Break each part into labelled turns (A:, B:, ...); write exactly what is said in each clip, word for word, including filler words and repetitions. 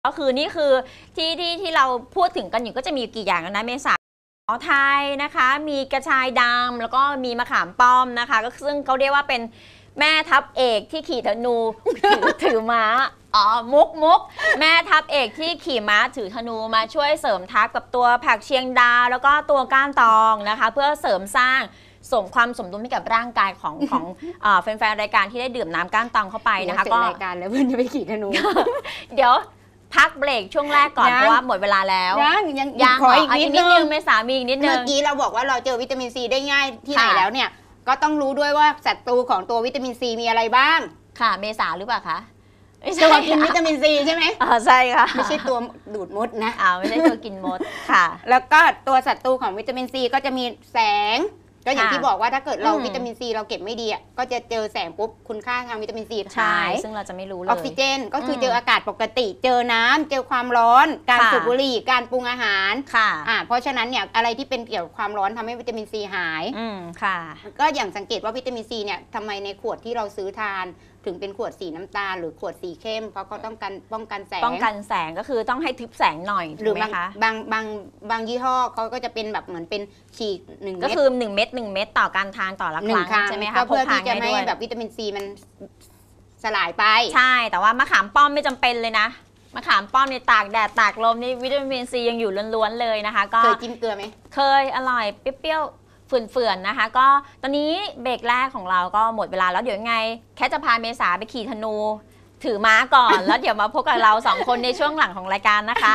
A: ก็คือนี่คือที่ที่ที่เราพูดถึงกันอยู่ก็จะมีกี่อย่างนะเมษาไทยนะคะมีกระชายดำแล้วก็มีมะขามป้อมนะคะก็ซึ่งเขาเรียกว่าเป็นแม่ทัพเอกที่ขี่ธนูถือถือม้าอ๋อมุกมุกแม่ทัพเอกที่ขี่ม้าถือธนูมาช่วยเสริมทัพกับตัวผักเชียงดาแล้วก็ตัวก้านตองนะคะเพื่อเสริมสร้างสมความสมดุลให้กับร่างกายของของแฟนๆรายการที่ได้ดื่มน้ำก้านตองเข้าไปนะคะก็
B: รายการแล้วเพื่อนจะไปขี่ธนู
A: เดี๋ยวพักเบรกช่วงแรกก่อนเพราะว่าหมดเวลาแล้ว
B: ยังยัง
A: ยัง
B: ขออีกนิดนึง
A: เมษามีอีกนิดนึง
B: เมื่อกี้เราบอกว่าเราเจอวิตามินซีได้ง่ายที่ไหนแล้วเนี่ยก็ต้องรู้ด้วยว่าศัตรูของตัววิตามินซีมีอะไรบ้าง
A: ค่ะเมษาหรือเปล่าคะ
B: ตัวกินวิตามินซีใช่ไหม
A: อ๋อใช่ค่ะ
B: ไม่ใช่ตัวดูดมดนะ
A: อ้าวไม่ใช่ตัวกินมดค่ะ
B: แล้วก็ตัวศัตรูของวิตามินซีก็จะมีแสงก็อย่างที่บอกว่าถ้าเกิดเราวิตามินซีเราเก็บไม่ดีอ่ะก็จะเจอแสงปุ๊บคุณค่าทางวิตามินซีหาย
A: ซึ่งเราจะไม่รู้เลย
B: ออกซิเจนก็คือเจออากาศปกติเจอน้ำเจอความร้อนการสูบบุหรี่การปรุงอาหาร
A: ค่ะ
B: อ่าเพราะฉะนั้นเนี่ยอะไรที่เป็นเกี่ยวกับความร้อนทำให้วิตามินซีหาย
A: อืมค่ะ
B: ก็อย่างสังเกตว่าวิตามินซีเนี่ยทำไมในขวดที่เราซื้อทานถึงเป็นขวดสีน้ำตาลหรือขวดสีเข้มเพราะเขาต้องการป้องกันแสง
A: ป้องกันแสงก็คือต้องให้ทึบแสงหน่อย
B: หรือบางบางบางบางยี่ห้อเขาก็จะเป็นแบบเหมือนเป็นฉีกหนึ่งเม็ด
A: ก็คือหนึ่งเม็ดหนึ่งเม็ดต่อการทานต่อละครั้งใช่ไหมคะ
B: เพื่อที่จะไม่แบบวิตามินซีมันสลายไป
A: ใช่แต่ว่ามะขามป้อมไม่จำเป็นเลยนะมะขามป้อมในตากแดดตากลมนี่วิตามินซียังอยู่ล้วนๆเลยนะคะก็
B: เคยกินเกลือไหม
A: เคยอร่อยเปรี้ยวเฟื่อนๆนะคะก็ตอนนี้เบรกแรกของเราก็หมดเวลาแล้วเดี๋ยวยังไงแค่จะพาเมษาไปขี่ธนูถือม้าก่อน แล้วเดี๋ยวมาพบกับเราสองคนในช่วงหลังของรายการนะคะ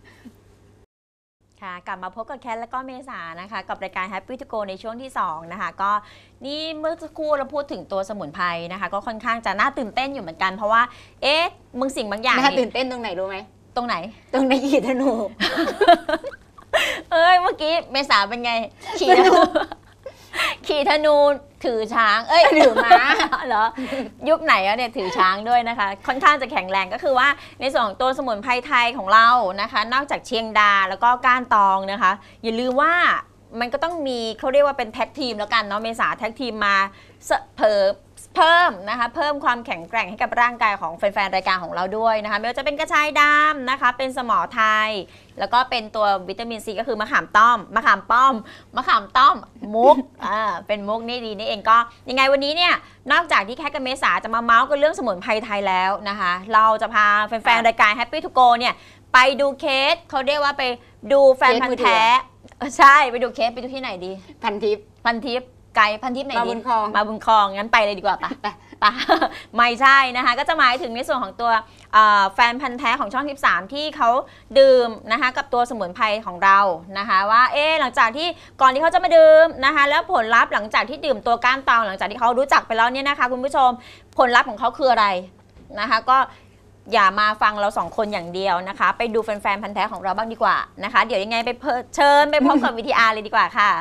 A: ค่ะกลับมาพบกับแคทและก็เมษานะคะกับรายการ Happy to Go ในช่วงที่สองนะคะก็นี่เมื่อสักครู่เราพูดถึงตัวสมุนไพรนะคะก็ค่อนข้างจะน่าตื่นเต้นอยู่เหมือนกันเพราะว่าเอ๊ะมึงสิ่งบางอย่าง
B: น่าตื่นเต้นตรงไหนรู้ไหม
A: ตรงไหน
B: ตรงในขี่ธนู
A: เอ้ยเมื่อกี้เมษาเป็นไงขี่ธนูขี่ธนูถือช้างเอ้ย
B: ถือม้า
A: เหรอยุคไหนอะเนี่ยถือช้างด้วยนะคะค่อนข้างจะแข็งแรงก็คือว่าในส่วนของตัวสมุนไพรไทยของเรานะคะนอกจากเชียงดาแล้วก็ก้านตองนะคะอย่าลืมว่ามันก็ต้องมีเขาเรียกว่าเป็นแท็กทีมแล้วกันเนาะเมษาแท็กทีมมาเพิ่มเพิ่มนะคะเพิ่มความแข็งแกร่งให้กับร่างกายของแฟนๆรายการของเราด้วยนะคะไม่ว่าจะเป็นกระชายดำนะคะเป็นสมอไทยแล้วก็เป็นตัววิตามินซีก็คือมะขามต้อมมะขามป้อมมะขามต้อมมุกอ่าเป็นมุกนี่ดีนี่เองก็ยังไงวันนี้เนี่ยนอกจากที่แคทกับเมษาจะมาเมาส์กันเรื่องสมุนไพรไทยแล้วนะคะเราจะพาแฟนๆรายการ Happy to Go เนี่ยไปดูเคสเขาเรียกว่าไปดูแฟนพันธุ์แท้ใช่ไปดูเคสไปดูที่ไหนดี
B: พันทิป
A: พันทิปไกลพันทิปไหนดี
B: มาบุญคลอง
A: มาบุญคลองงั้นไปเลยดีกว่าปะปะไม่ใช่นะคะก็จะหมายถึงในส่วนของตัวแฟนพันธุ์แท้ของช่องสิบสามที่เขาดื่มนะคะกับตัวสมุนไพรของเรานะคะว่าเอ๊หลังจากที่ก่อนที่เขาจะมาดื่มนะคะแล้วผลลัพธ์หลังจากที่ดื่มตัวก้านตองหลังจากที่เขารู้จักไปแล้วเนี่ยนะคะคุณผู้ชมผลลัพธ์ของเขาคืออะไรนะคะก็อย่ามาฟังเราสองคนอย่างเดียวนะคะไปดูแฟนๆพันธุ์แท้ของเราบ้างดีกว่านะคะเดี๋ยวยังไงไปเชิญไปพบกับวิทีอาร์เลยดีกว่าค่ะ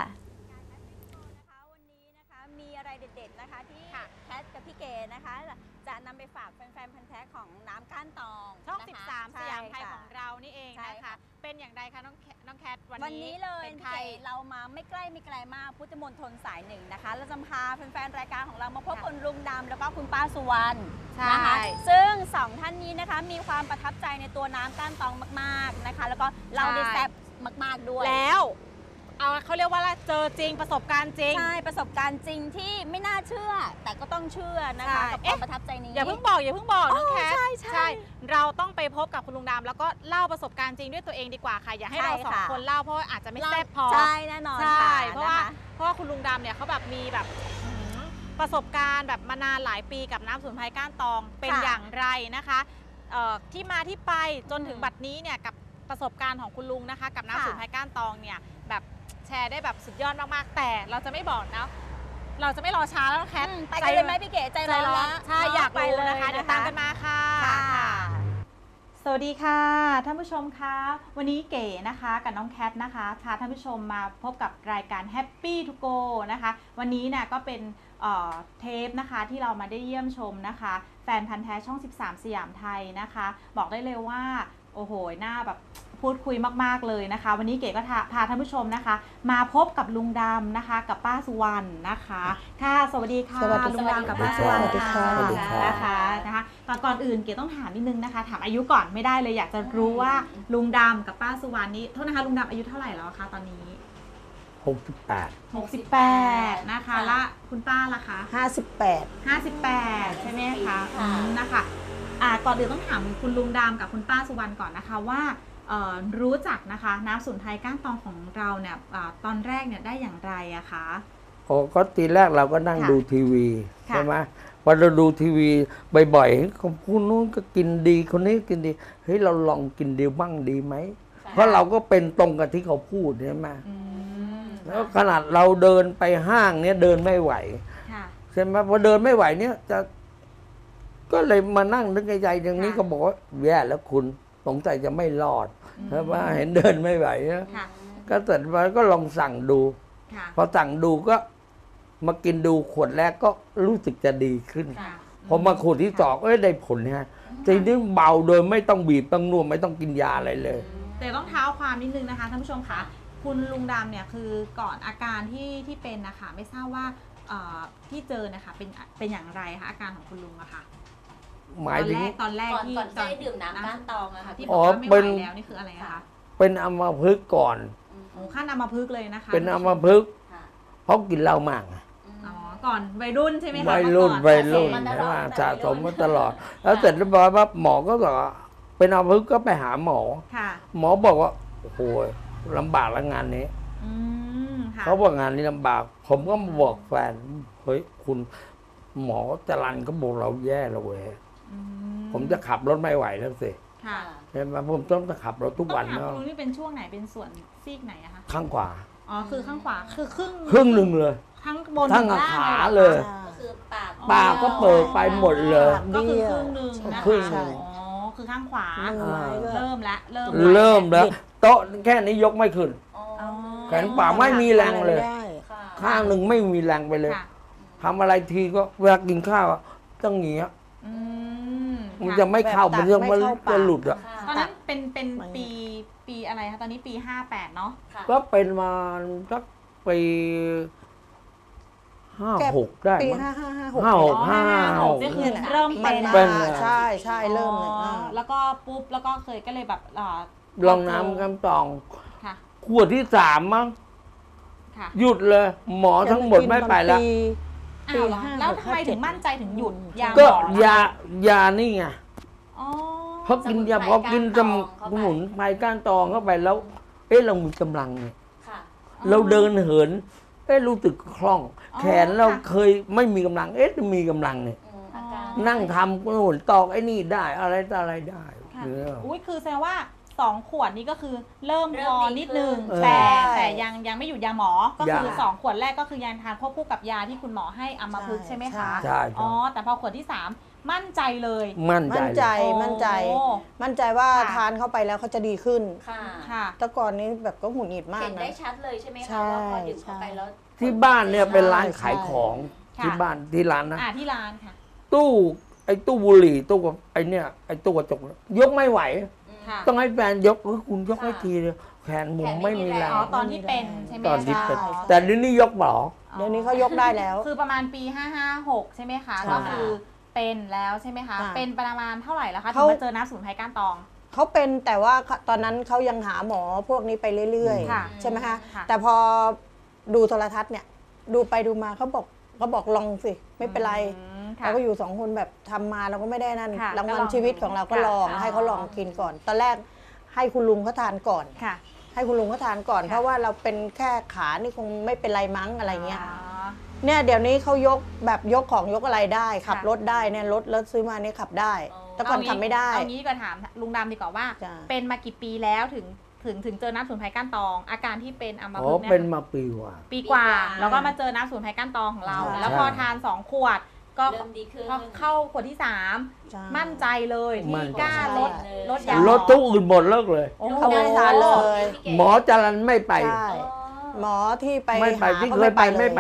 A: จะนำไปฝากแฟนๆพันธุ์แท้ของน้ำก้านตอง
C: ช่องสิบสามสยามไทยของเรานี่เองนะคะเป็นอย่างไรคะน้องน้องแคท
A: วันนี้เลยเป็นใครเรามาไม่ใกล้ไม่ไกลมากพุทธมณฑลสายหนึ่งนะคะเราจะพาแฟนๆรายการของเรามาพบคุณลุงดำแล้วก็คุณป้าสุวรรณนะคะซึ่งสองท่านนี้นะคะมีความประทับใจในตัวน้ำก้านตองมากๆนะคะแล้วก็เราได้แซ่บมากๆด้วย
C: แล้วเอาเขาเรียกว่าเจอจริงประสบการณ์จริง
A: ใช่ประสบการณ์จริงที่ไม่น่าเชื่อแต่ก็ต้องเชื่อนะคะกับความประทับใจนี้
C: อย่าเพิ่งบอกอย่าเพิ่งบอกน้องแคทใช่ใช่เราต้องไปพบกับคุณลุงดำแล้วก็เล่าประสบการณ์จริงด้วยตัวเองดีกว่าค่ะอย่าให้เราสองคนเล่าเพราะอาจจะไม่แซ่บพอ
A: ใช่แน่นอน
C: ใช่เพราะว่าเพราะว่าคุณลุงดำเนี่ยเขาแบบมีแบบประสบการณ์แบบมานานหลายปีกับน้ำสมุนไพรก้านตองเป็นอย่างไรนะคะที่มาที่ไปจนถึงบัดนี้เนี่ยกับประสบการณ์ของคุณลุงนะคะกับน้ำสมุนไพรก้านตองเนี่ยแบบแชร์ได้แบบสุดยอดมากๆแต่เราจะไม่บอกนะเราจะไม่รอช้าแล้วแคท
A: ไปกันเลยไหมพี่เก๋ใจร้อน
C: ใช่อยากไปเลยนะคะเดี๋ยวตามกันมาค่ะ
D: สวัสดีค่ะท่านผู้ชมคะวันนี้เก๋นะคะกับน้องแคทนะคะพาท่านผู้ชมมาพบกับรายการ Happy to Go นะคะวันนี้เนี่ยก็เป็นเทปนะคะที่เรามาได้เยี่ยมชมนะคะแฟนพันธุ์แท้ช่องสิบสามสยามไทยนะคะบอกได้เลยว่าโอ้โหหน้าแบบพูดคุยมากๆเลยนะคะ วันนี้เก๋ก็พาท่านผู้ชมนะคะ มาพบกับลุงดำนะคะ กับป้าสุวรรณนะคะค่ะสวัสดีค่ะ
E: สวัสดี
D: ลุงดำกับป้าสุวรรณ
E: สวัสดีค่ะ
D: ค่ะ
E: สวัสดีค่ะ
D: นะคะนะคะก่อนก่อนอื่นเก๋ต้องถามนิดนึงนะคะถามอายุก่อนไม่ได้เลยอยากจะรู้ว่าลุงดำกับป้าสุวรรณนี้โทษนะคะลุงดำอายุเท่าไหร่แล้วคะตอนนี้
F: หกสิบแปด
D: หกสิบแปดนะคะและคุณป้าล่ะคะ
E: ห้าสิบแปด
D: ห้าสิบแปดใช่ไหมคะอืมนะคะอ่าก่อนอื่นต้องถามคุณลุงดำกับคุณป้าสุวรรณก่อนนะคะว่าเอ่อรู้จักนะคะน้ำสมุนไพรก้านตองของเราเนี่ยอาตอนแรกเนี่ยได้อย่างไรอะคะ
F: โอ้ก็ทีแรกเราก็นั่ง
D: ค่ะ
F: ดูทีวี
D: ค่ะ
F: ใช่ไหมพอเราดูทีวีบ่อยๆเฮ้ยคนผู้นู้นก็กินดีคนนี้กินดีเฮ้ยเราลองกินดีบ้างดีไหมเพราะเราก็เป็นตรงกับที่เขาพูดใช่ไหม
D: อืม
F: แล้วขนาดเราเดินไปห้างเนี่ยเดินไม่ไหว
D: ค่ะ
F: ใช่ไหมพอเดินไม่ไหวเนี่ยจะก็เลยมานั่งนึกในใจอย่างนี้
D: ค่ะ
F: ก็บอกว่าแย่แล้วคุณสงสัยจะไม่รอด
D: อืม
F: ใช่ไหมเห็นเดินไม่ไหวนะ
D: ค่ะ
F: ก็เสร็จมาก็ลองสั่งดู
D: ค่ะ
F: พอสั่งดูก็มากินดูขวดแรกก็รู้สึกจะดีขึ้น
D: ค่ะ
F: พอมาขวดที่สองเอ้ยได้ผลฮะทีนี้เบาโดยไม่ต้องบีบต้องนวดไม่ต้องกินยาอะไรเลย
D: แต่ต้องเท้าความนิดนึงนะคะท่านผู้ชมคะคุณลุงดำเนี่ยคือก่อนอาการที่ที่เป็นนะคะไม่ทราบว่าเอ่อที่เจอนะคะเป็นเป็นอย่างไรคะอาการของคุณลุงอะค่ะ
F: หมายถึง
D: ตอนแรก
A: ก่อน
D: ที่
A: ก่อนจะได้ดื่มน้ำก้านตองอะค่ะ
D: ที่
F: อ๋
D: บอก
F: อ
D: ว่าไม่
F: เป็
D: ไห
F: น
D: วแล้วนี่คืออะไรอะคะ
F: เป็นอัมพฤกษ์ก่อน
D: โอ้ขั้นอัมพฤกษ์เลยนะคะ
F: เป็นอัมพฤกษ์
A: ค่ะ
F: เพราะกินเหล้ามากไง
D: อ๋อก่อนวัยรุ่นใช่ไหมคะ
F: วัยรุ่น
D: เมื่อก่อ
F: วัยรุ่น
A: สะสมมาต
F: ใช่
A: ล
F: ไห
A: อ
F: ม
A: ด
F: สะสมมาตลอด แล้วเสร็จเรียบร้อยปั๊บหมอก็บอกว่าเป็นอัมพฤกษ์ก็ไปหาหมอ
D: ค่ะ
F: หมอบอกว่าโอ้โหลำบากแล้วงานนี้
D: อืมค่ะ
F: เขาบอกงานนี้ลำบาก ผมก็มาบอกแฟนเฮ้ยคุณหมอจรันก็บอกเราแย่แล้วเว้ย
D: อื
F: ผมจะขับรถไม่ไหวแล้วสิ
D: ค่ะ
F: ใช่ไหมผมต้องขับรถทุก
D: ต้อ
F: วัน
D: งถาม
F: เนาะ
D: คุณลุงนี่เป็นช่วงไหนเป็นส่วนซีกไหนอะคะ
F: ข้างขวา
D: อ๋อคือข้างขวาคือครึ่ง
F: ครึ่งหนึ่งเลย
D: ทั้งบน
F: ทั้ง
D: ถึล่
F: ขา
D: หรอคะ
F: เลย
A: ก็คือปาก
F: ปากก็เปิดไปหมดเลย
D: ก็คือครึ่งหนึ่งนะคะ
F: ครึ่งหนึ่ง
D: อ๋อคือข้างขวา
E: มือไม้ก็
D: เริ่มละเริ่ม
F: เริ่มแล้ว โต๊ะแค่นี้ยกไม่ขึ้น
A: อ๋อ
D: อ๋อ
F: แขนขวาไม่มีแรงเลย
E: ไม่ได้
A: ค่ะ
F: ข้างหนึ่งไม่มีแรงไปเลย
D: ค่ะ
F: ทำอะไรทีก็เวลากินข้าวอะต้องอย่างเงี้ย
D: อืม
F: มัน
D: ค่ะ
F: จะไม่เข้า
E: แบบตั
F: มัน
E: ก
F: จะ
E: ไม่
F: มัน
E: เข้าปาก
F: จะหลุดอ่ะ
A: ค่ะ
D: ตอนนั้นเป็นเป็น
E: ไม่
D: ปีปีอะไรคะตอนนี้ปีห้าแปดเนาะ
A: ค่ะ
F: ก็เป็นมาสักปีห้าหกได้
E: ปี
F: มั้ง
E: ห้าห้าห้าหก
F: ห้าหก
D: อ๋อ
F: ห้าหก
D: ก็คือ
E: เนี่ยนะ
D: เริ่ม
E: มั
D: เป็น น
F: เป็
E: มาน
F: เลย
E: ใช่ใช่เริ่มเลย
D: อ๋อ
E: อ่า
D: แล้วก็ปุ๊บแล้วก็เคยก็เลยแบบอ่า
F: ลองน้ำกำตอง
D: ค่ะ
F: ขวดที่สามมั้ง
D: ค่ะ
F: หยุดเลย หมอทั้งหมดไม่ไปแล้ว
E: ปี
D: อ้าวเหรอ
E: ห้า
D: แล้ว
E: หก
D: ทำไม
E: ห้าเจ็
D: ถึ
E: ด
D: งมั่นใจถึงหยุดยา
F: ก็
D: หมอล่ะ
F: ยายานี่ไง
D: อ๋อ
F: เพราะกินยาพอกินสมุนไพรก้านตองเข้าไปแล้ว เอ๊ะเรามีกำลังไง
A: ค่ะ
F: เราเดินเหินเอ๊ะรู้สึกคล่อง
D: อ๋อ
F: แขนเรา
D: ค่ะ
F: เคยไม่มีกำลัง เอ๊ะมีกำลังเนี่ย
A: อืมอาการ
F: นั่งทำก็หุ่นตอกไอ้นี่ได้อะไรต่ออะไรได้
D: ค่ะ
F: เนี่ย
D: อุ้ยคือแสดงว่าสองขวดนี้ก็คือเริ่มพอนิดนึง
F: เออ
D: แต่แต่ยังยังไม่หยุดยาหมอ ก็คือ
F: ยัง
D: สองขวดแรกก็คือยังทานควบคู่กับยาที่คุณหมอให้อัมพฤกษ์ใช่ไหมคะ
F: ใช่
D: อ๋
F: ใช่
D: อแต่พอขวดที่สามมั่นใจเลย
F: มั่นใจ
E: มั่นใจ
F: เลย
E: มั่นใจ
D: โอ้
E: มั่นใจว่า
D: ค่ะ
E: ทานเข้าไปแล้วเขาจะดีขึ้น
A: ค่ะ
D: ค่ะ
E: แต่ก่อนนี้แบบก็หงุดหงิดมาก
A: เห็น
E: นะ
A: ได้ชัดเลยใช่ไหม
E: ใช่
A: คะว่าพอดื่มเข้าไปแล้ว
F: ที่บ้านเนี่ยเป็นร้านขายของ
D: ค่ะ
F: ที่บ้านที่ร้านนะ
D: อ่าที่ร้านค่ะ
F: ตู้ไอ้ตู้บุหรี่ตู้กับไอ้เนี่ยไอ้ตู้กระจกเนี่ยยกไม่ไหว
D: ค่ะ
F: ต้องให้แฟนยกเออคุณยกให้ทีเลยแขนผมไม่มีแรง
D: อ๋อตอนที่เป็นใช่ไหม
F: ตอนที่เป็น
D: คะ
F: แต่เดี๋ยวนี้ยกเปล่า
E: เดี๋ยวนี้เขายกได้แล้ว
D: คือประมาณปีห้าห้าหกใช่ไหมคะ
E: ใช่
D: ก็คือเป็นแล้วใช่ไหมคะ
E: ค่ะ
D: เป็นประมาณเท่าไหร่แล้วคะถึ
E: เขา
D: งมาเจอน้ำสมุนไพรก้านตอง
E: เขาเป็นแต่ว่าตอนนั้นเขายังหาหมอพวกนี้ไปเรื่อย
D: ค่ะ
E: ๆ ใช่ไหมคะ
D: ค่ะ
E: แต่พอดูโทรทัศน์เนี่ย ดูไปดูมาเขาบอกเขาบอกลองสิไม่เป็นไร
D: อืมค่ะ
E: เราก็อยู่สองคนแบบทำมาเราก็ไม่ได้นั่น
D: ค่ะ
E: รางวั
D: ก็
E: ล
D: ลอง
E: ชีวิตของเราก็
D: ค่ะ
E: ลอง
D: อ๋อ
E: ให้เขาลองกินก่อน ตอนแรกให้คุณลุงเขาทานก่อน
D: ค่ะ
E: ให้คุณลุงเขาทานก่อน
D: ค่ะ
E: เพราะว่าเราเป็นแค่ขานี่คงไม่เป็นไรมั้งอะไรเงี้ย
D: อ๋อ
E: เนี่ยเดี๋ยวนี้เขายกแบบยกของยกอะไรได้ ขับ
D: ค่ะ
E: รถได้เนี่ยรถรถซื้อมาเนี่ยขับได้
A: อ๋อ
E: แต่ก่อนขับไม่ได้
D: เอางี้ก็ถามลุงดำดีกว่าว่า
E: จ้ะ
D: เป็นมากี่ปีแล้วถึงถึงถึงเจอน้ำสมุนไพรก้านตอง อาการที่เป็นอัม
F: อ๋อ
D: พฤกษ์
F: เป็น
D: เนี่ย
F: มาปีกว่า
D: ปีกว่า
A: ปีกว่า
D: แล้วก็มาเจอน้ำสมุนไพรก้านตองของเรา
E: ใช่
D: แล้วพอทานสองขวด ก็
A: เริ่มดีขึ้น
D: พอเข้าขวดที่สาม
E: ใช่
D: มั่นใจเลย
F: มั่
D: ที่
F: นใจ
D: กล้าลด
A: ใช่
D: ลดยาหมอ
F: รถทุกอื่นหมดเลิกเลย
D: โอ้โห
E: เขาไม่ได้ทานเลย
F: หมอจรันไม่ไป
E: ใช่
A: อ๋อ
E: หมอที่ไป
F: ไม่ไป
E: หา
F: ที่
E: ก็
F: เคยไปไม่ไป
E: เลย
F: แล้ว
A: อื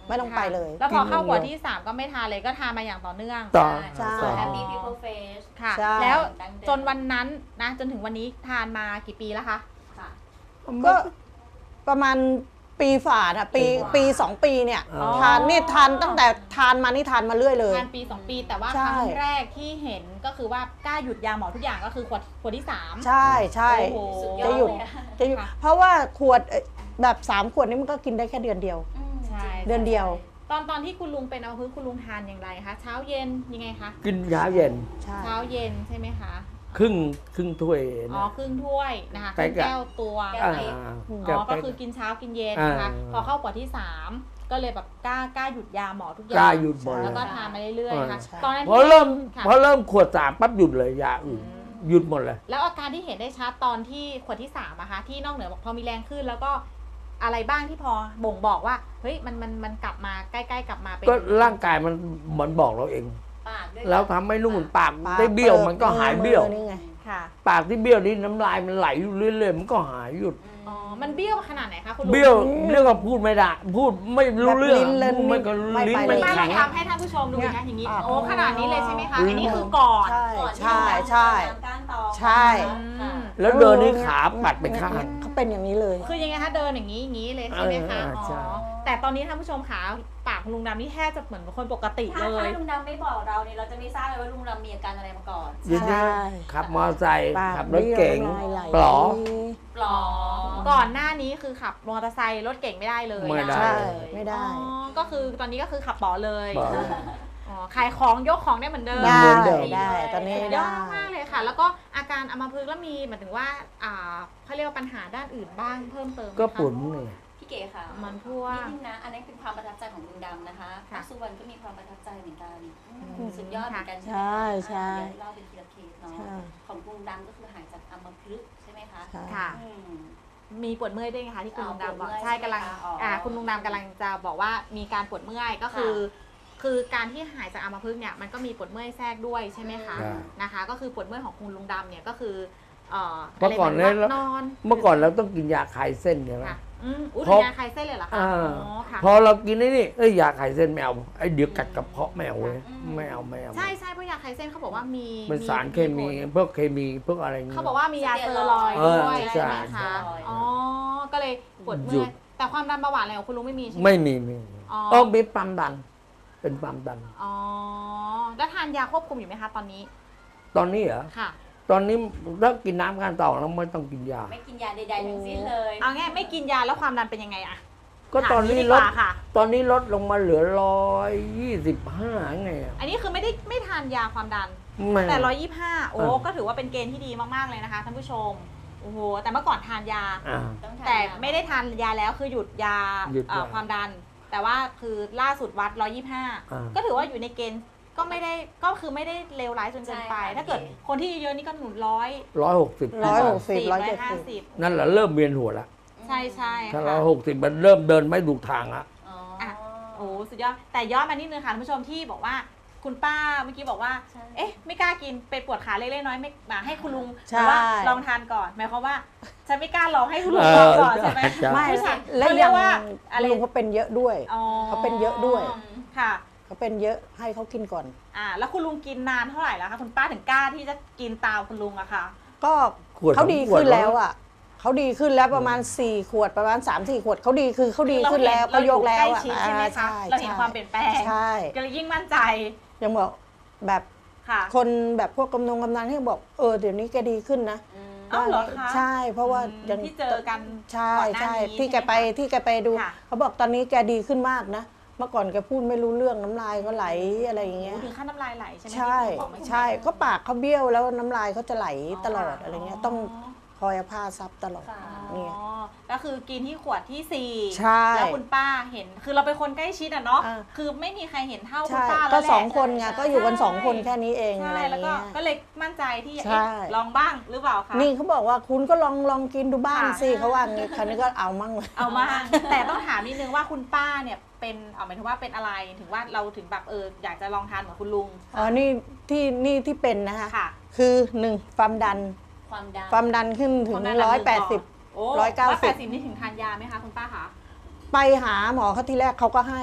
E: ไม่ต้องไปเลย
D: แล้วพอเข้าขวดที่สามก็ไม่ทานเลยก็ทานมาอย่างต่อเนื่อง
F: ต่อ
E: ใช่
A: ส่วน Happy People Face
D: ค่ะ
E: ใช่
D: แล้วจนวันนั้นนะจนถึงวันนี้ทานมากี่ปีแล้วคะ
A: ค่ะ
E: ก็ประมาณปีฝ่าอะปีปีสองปีเนี่ย
F: อ๋อ
E: ทานนี่ทานตั้งแต่ทานมานี่ทานมาเรื่อยเลย
D: ทานปีสองปีแต่ว่า
E: ใช่
D: ครั้งแรกที่เห็นก็คือว่ากล้าหยุดยาหมอทุกอย่างก็คือขวดขวดที่สาม
E: ใช่ใช่
D: โอ้โห
A: สุดยอ
E: จะ
A: ด
E: หยุด
A: เลยอะ
E: จะหยุด
D: ค่ะ
E: เพราะว่าขวดเอ่อแบบสามขวดนี่มันก็กินได้แค่เดือนเดียว
A: อืม
D: ใช่
E: เดือนเดียว
D: ตอนตอนที่คุณลุงเป็นอัมพฤกษ์คุณลุงทานอย่างไรคะเช้าเย็นยังไงคะ
F: กินเช้าเย็น
E: ใช่
D: เช้าเย็นใช่ไหมคะ
F: ครึ่งครึ่งถ้วย
D: อ๋อ
F: นะ
D: ครึ่งถ้วยนะคะค
F: ใกล้
D: รึ่ง
F: กับ
D: แก้วตัว
A: แก้
F: อ่าว
D: อ๋อก็คือกินเช้ากินเย็นนะคะ
F: อ่า
D: พอเข้าขวดที่สามก็เลยแบบกล้ากล้าหยุดยาหมอทุกอย่าก
F: ล้าง หยุดหมด
D: แล้ว
F: เล
D: ก็
F: ย
D: ทานมาเรื่อยๆค่ะ
E: ใช่
D: ตอนนั้น
F: พอเริ่ม
D: ค่ะ
F: พอเริ่มขวดสามปั๊บหยุดเลยยาอื่น
D: อืม
F: หยุดหมดเลย
D: แล้วอาการที่เห็นได้ชัดตอนที่ขวดที่สามอะคะที่นอกเหนือบอกพอมีแรงขึ้น แล้วก็อะไรบ้างที่พอบ่งบอกว่าเฮ้ยมันมันมันกลับมาใกล้ๆกลับมาเป็น
F: ก็ร่างกายมันมันบอกเราเอง
A: ปากด้วย
F: แล้วทำให้นู่นปาก
E: ปาก
F: ได้เบี้ยว
E: ปิด
F: มันก็หาย
E: มือ
F: เบี้ยว
E: นี่ไง
D: ค่ะ
F: ปากที่เบี้ยวนี่น้ำลายมันไหลอยู่เรื่อยๆมันก็หายหยุด
D: อ๋อมันเบี้ยวขนาดไหนคะคุณลุง
F: เบี้ยวเรื่องกับพูดไม่ได้พูดไม่รู้เรื่อง
E: แบบลิ้นเล่น
F: พูดไม่ก็
E: ไม่
F: ลิ้น
E: ไป
F: มัน
D: ป้าล
F: แข็
D: อง
F: ง
D: ทำให้ท่านผู้ชมดูนะอย่างนี้
E: อ่า
D: โอ้ขนาดนี้เลยใช่ไหมคะ
F: อืม
D: อันนี้คือก่อน
E: ใช่
A: ก่อนที่
E: ใช่
A: เรา
E: ใช่
A: น้ำก้านตอง
E: ใช่
A: ค่ะ
F: แล้วเดินนี่ขาปัดไปข้าง
E: เขาเป็นอย่างนี้เลย
D: คือยังไงคะเดินอย่างนี้อย่างนี้เลยใช่ไหมคะ
F: เออ
D: อ๋
F: ใช่
D: อแต่ตอนนี้ท่านผู้ชมขาปากคุณลุงดำนี่แทบจะเหมือนคนปกติ
A: ถ้า
D: เลย
A: ถ้าลุงดำไม่บอกเราเนี่ยเราจะไม่ทราบเลยว่าลุงดำมีอาการอะไรมาก่อน
F: เดี๋ยวนี้
E: ใช่
F: ขับมอเตอร์ไซค์
E: ปาก
F: ขับรถเก๋ง
E: บี้ยวน้ำลายไหล
F: ปลอ
A: ปลอ
D: ก่อนหน้านี้คือขับมอเตอร์ไซค์รถเก่งไม่ได้เลย
F: ไม่ได้
E: ใช่ไม่
D: อ๋
E: ได้
D: อก็คือตอนนี้ก็คือขับป๋อเลย
F: ปลอ
D: อ๋อขายของยกของได้เหมือนเดิม
E: ได้
F: เหมือนเดิม
E: ได้ตอนนี้
D: สุดย
E: ได้
D: อดมากเลยค่ะ แล้วก็อาการอัมพฤกษ์แล้วมีหมายถึงว่าอ่าเขาเรียกว่าปัญหาด้านอื่นบ้างเพิ่มเติมไหมคะ
F: ก็ปุ่นนี่
A: พี่เก๋ค่ะ
D: มันพวก
A: นิดนึงนะ อันนี้เป็นความประทับใจของลุงดำนะคะ
D: ค่ะ
A: สุวรรณก็มีความประทับใจเหมือนกัน
D: อืม
A: สุดยอดเหมือนกัน
E: ใช่ใช่
A: เดี๋ยวเล่าเป็นทีละเคสเนาะ
E: ใช่
A: ของลุงดำก็คือหายจากอัมพฤกษ์ใช่ไหมคะ
E: ใช่
D: ค่ะ
A: อืม
D: มีปวดเมื่อยด้วยไงคะที่คุณ
A: อ๋อ
D: ลุงดำบอก
A: ปวดเมื่อย
D: ใช่กำลัง
A: ใช่ไหมคะอ๋ออ่
D: อ่าคุณลุงดำกำลังจะบอกว่ามีการปวดเมื่อยก็คือ คือการที่หายจากอัมพฤกษ์เนี่ยมันก็มีปวดเมื่อยแทรกด้วยใช่ไหมคะ
F: ใช่
D: นะคะ ก็คือปวดเมื่อยของคุณลุงดำเนี่ยก็คือเอ่อ
F: เมื่อก่อน
D: อะไร
F: เนี่ย
D: เหมืนอน
F: เมื่อก่อนเราต้องกินยาคลายเส้นใช่ไหม
D: ค่ะอืมอุ้ย
F: เพราะ
D: ยาคลายเส้นเลยเหรอคะ
F: อ่า
D: อ๋อค่ะ
F: พอเรากินไอ้นี่เอ้ยยาคลายเส้นไม่เอาไอ้เดี๋ยวกัดกระเพาะไม่เอาเว้ยไม่เอาไม่เอา
D: ใช่ใช่เพราะยาคลายเส้นเขาบอกว่ามี
F: มันสารเคมี
D: ผล
F: พวกเคมีพวกอะไรอย่างเงี้ย
D: เขาบอกว่ามียาสเตอรอยด์
F: เออ
D: ด้วย
F: ใช่
D: ใช่ไหมคะ
A: ใช่
D: อ๋อก็เลยปวด
F: ห
D: เมื่
F: ยุ
D: อย
F: ด
D: แต่ความดันเบาหวานอะไรของคุณลุงไม่มีใช่ไหม
F: ไม่มีไม่มี
D: อ๋อ
F: อ๋อมีความดัน เป็นความดัน
D: อ๋อแล้วทานยาควบคุมอยู่ไหมคะตอนนี้
F: ตอนนี้เหรอ
D: ค่ะ
F: ตอนนี้ถ้ากินน้ำการต่อแล้วไม่ต้องกินยา
A: ไม่กินยาใดๆทั้งสิ้นเลย
D: เอาง่ายไม่กินยาแล้วความดันเป็นยังไงอะ
F: ก็ตอนนี้
D: ถามดี
F: ล
D: ก
F: ด
D: ว่าค่ะ
F: ตอนนี้ลดลงมาเหลือร้อยยี่สิบห้าไงอะ
D: อันนี้คือไม่ได้ไม่ทานยาความดัน
F: ไม่
D: แต่ร้อยยี่สิบห้าโอ้
F: อ่า
D: ก็ถือว่าเป็นเกณฑ์ที่ดีมากๆเลยนะคะท่านผู้ชมโอ้โหแต่เมื่อก่อนทานยา
F: อ่า
A: ต้องทาน
D: แต่
A: ยา
D: ไม่ได้ทานยาแล้วคือหยุดยา
F: หยุดยา
D: เอ่อความดัน แต่ว่าคือล่าสุดวัดร้อยยี่สิบห้า
F: อ่า
D: ก็ถือว่าอยู่ในเกณฑ์ก็ไม่ได้ก็คือไม่ได้เลวร้ายจนเกินไป
A: ใช่ค่ะ
D: ถ้าเกิดคนที่เยอะๆนี่ก็หนุนร้อย
F: ร้อยหกสิบ
E: ร้อยหกสิบ
D: ร้
E: ร้
D: อ
E: อย ย
D: เจ็
E: เจ็
D: ด
E: ด
D: ห้า
E: สิบ
D: สิบ
F: นั่นแหละเริ่มเวียนหัวแล้ว
D: ใช่ใช่
F: ถ้า
D: ค่ะ
F: ร้อยหกสิบมันเริ่มเดินไม่ถูกทางละ
A: อ๋อ
D: อ่ะ โอ้สุดยอดแต่ย้อนมานิดนึงค่ะท่านผู้ชมที่บอกว่าคุณป้าเมื่อกี้บอกว่า
A: ใช่
D: เอ๊ะ ไม่กล้ากินเป็นปวดขาเล็กๆน้อยๆไม่มาให้คุณลุง
E: ใช่
D: หรือว่าลองทานก่อนหมายความว่าฉันไม่กล้าลองให้คุณลุง
F: เอ
D: ล
F: อ
D: องก่อนใช่ไหม
F: ใช่
E: ไม่
D: ไม่ใช่
E: แล้ว
D: เขาเรี
E: ยั
D: ย
E: ง
D: กว่าอะไร
E: ลุงเขาเป็นเยอะด้วย
D: อ๋อ
E: เขาเป็นเยอะด้วย
D: ค่ะ
E: เขาเป็นเยอะให้เขากินก่อน
D: อ่าแล้วคุณลุงกินนานเท่าไหร่แล้วคะคุณป้าถึงกล้าที่จะกินตามคุณลุงอะค่ะ
E: ก็
F: ขวด
E: เขาดี
F: สองขวด
E: ขึ้นแล้วอ่ะเขาดีขึ้นแล้วประมาณสี่ขวดประมาณสามสี่ขวดเขาดีคือเขาดีขึ้นแล้ว
D: เรา
E: เขา
D: เห็น
E: ยกแล้ว
D: เราอยู่
E: อ่ะ
D: ใกล้ชิดใช่ไหมคะ
E: อ่
D: เราเห็นความเปลี่ยนแปลง
E: ใช่
D: ก็เลยยิ่งมั่นใจ
E: ยังบอกแบบ
D: ค่ะ
E: คนแบบพวกกำนงกำนันที่บอกเออเดี๋ยวนี้แกดีขึ้นนะ
A: อืม
D: เอ้าเหรอคะ
E: ใช่เพราะว่า
D: อืม
E: ยัง
D: ที่เจอกัน
E: ใช่
D: ก่อนหน้า
E: ใช่
D: นี้
E: ที่แกไป
D: ใช่หมคะ
E: ที่แกไปดู
D: ค่ะ
E: เขาบอกตอนนี้แกดีขึ้นมากนะเมื่อก่อนแกพูดไม่รู้เรื่องน้ำลายก็ไหลอะไรอย่างเงี้ย
D: โอ้ถึงขั้นน้ำลายไหลใช่ไหม
E: ใช่
D: ที่คุณบอกเมื่อกี้
E: ใช่ก็ปากเขาเบี้ยวแล้วน้ำลายเขาจะไหลตลอด
D: อ๋ออ
E: อะไรเงี้ยต้องคอยเอาผ้าซับตลอด
A: ค่ะ
E: เนี่ย
D: อ๋อก็คือกินที่ขวดที่สี่
E: ใช่
D: แล้วคุณป้าเห็น คือเราเป็นคนใกล้ชิดอะเนาะ
E: อ่า
D: คือไม่มีใครเห็นเท่าคุณ
E: ใช่
D: ป้า
E: ก็
D: แล้วแหละ
E: สองคนไง
A: ใช่
E: ก็อยู่กัน
D: ใช่
E: สองคนแค่นี้เองอะ
D: ใช่
E: ไร
D: แล้วก็
E: เงี้ย
D: ก็เลยมั่นใจที่
E: ใช่
D: เอ๊ะลองบ้างหรือเปล่าคะ
E: นี่เขาบอกว่าคุณก็ลองลองกินดูบ้าง
D: ค่ะ
E: สิเขาว่างี้คราวนี้ก็เอามั่งเลย
D: เอามา แต่ต้องถามนิดนึงว่าคุณป้าเนี่ยเป็นเอาหมายถึงว่าเป็นอะไรถึงว่าเราถึงแบบเอออยากจะลองทานเหมือนคุณลุง
E: อ๋อนี่ที่นี่ที่เป็นนะคะ
D: ค่ะ
E: คือหนึ่งความดัน
A: ความดัน
E: ความดันขึ้นถึง
D: ความดัน
E: ร้อยแปดสิบ
D: โอ้
E: ร้อยเก้าสิบ
D: ร้อยแปดสิบนี่ถึงทานยาไหมคะคุณป้าคะ
E: ไปหาหมอเขาทีแรกเขาก็ให้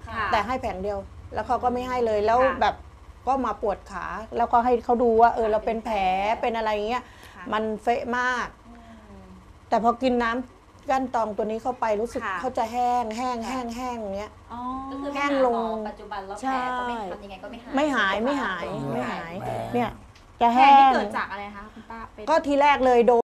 A: ค่ะ
E: แต่ให้แผงเดียว แล้วเขาก็ไม่ให้เลยแล้ว
D: ค่ะ
E: แบบก็มาปวดขา แล้วก็ให้เขาดูว่าเออเราเป็นแผลเป็นอะไรเงี้ย
D: ค่ะ
E: มันเฟะมาก แต่พอกินน้ำก้านตองตัวนี้เข้าไปรู้สึก
D: ค่ะ
E: เขาจะแห้งแห้งแห้งแห้งอย่างเงี้ย
D: อ๋อ
A: ก็คือ
E: แห้งลง
A: ปัจจุบันแล้ว
E: ใช่
A: แผลก็ไม่ทำยังไงก็ไม่หาย
E: ไม่หายไม่หายไม่หาย
F: แผล
E: เนี่ยจะ
D: แผล
E: แห้
D: นี่
E: ง
D: เกิดจากอะไรคะคุณป้าเป็น
E: ก็ทีแรกเลยโดน